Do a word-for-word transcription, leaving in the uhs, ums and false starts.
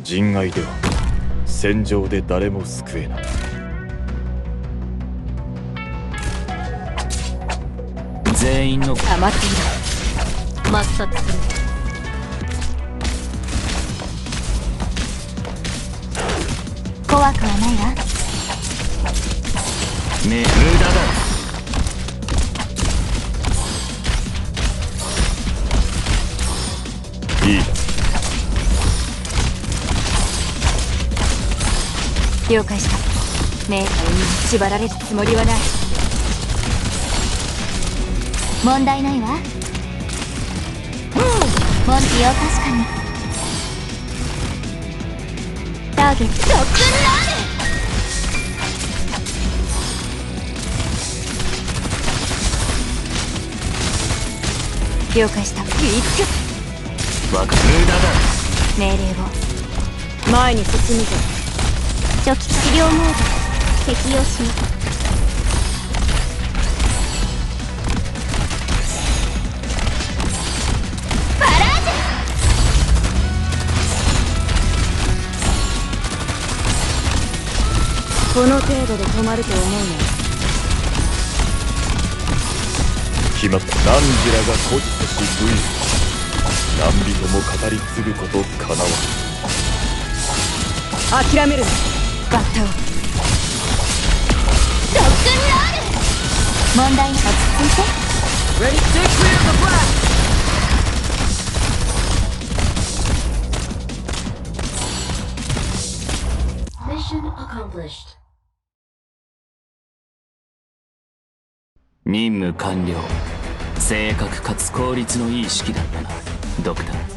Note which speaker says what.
Speaker 1: 人外では戦場で誰も救えない。
Speaker 2: 全員の
Speaker 3: 黙っていろ。抹殺する。怖くはないわ。
Speaker 2: ね、無駄だ。
Speaker 1: いいだ。
Speaker 3: 了解した。メーカーに縛られるつもりはない。問題ないわ。モンティを確かに。ターゲットロックンロール。了解した。ウィッ
Speaker 2: わかる。無駄だ。
Speaker 3: 命令を。前に進むぞ。初期治療モード適用します。パラージュ。この程度で止まると思うね。
Speaker 1: 決まった。何時らが孤児とし武勇。何人も語り継ぐことかなわ。
Speaker 3: 諦めるな。バッタをロックンロール。問題に落ち着いて。 Ready to clear the flag.
Speaker 4: Mission accomplished.
Speaker 2: 任務完了。正確かつ効率のいい式だったな、ドクター。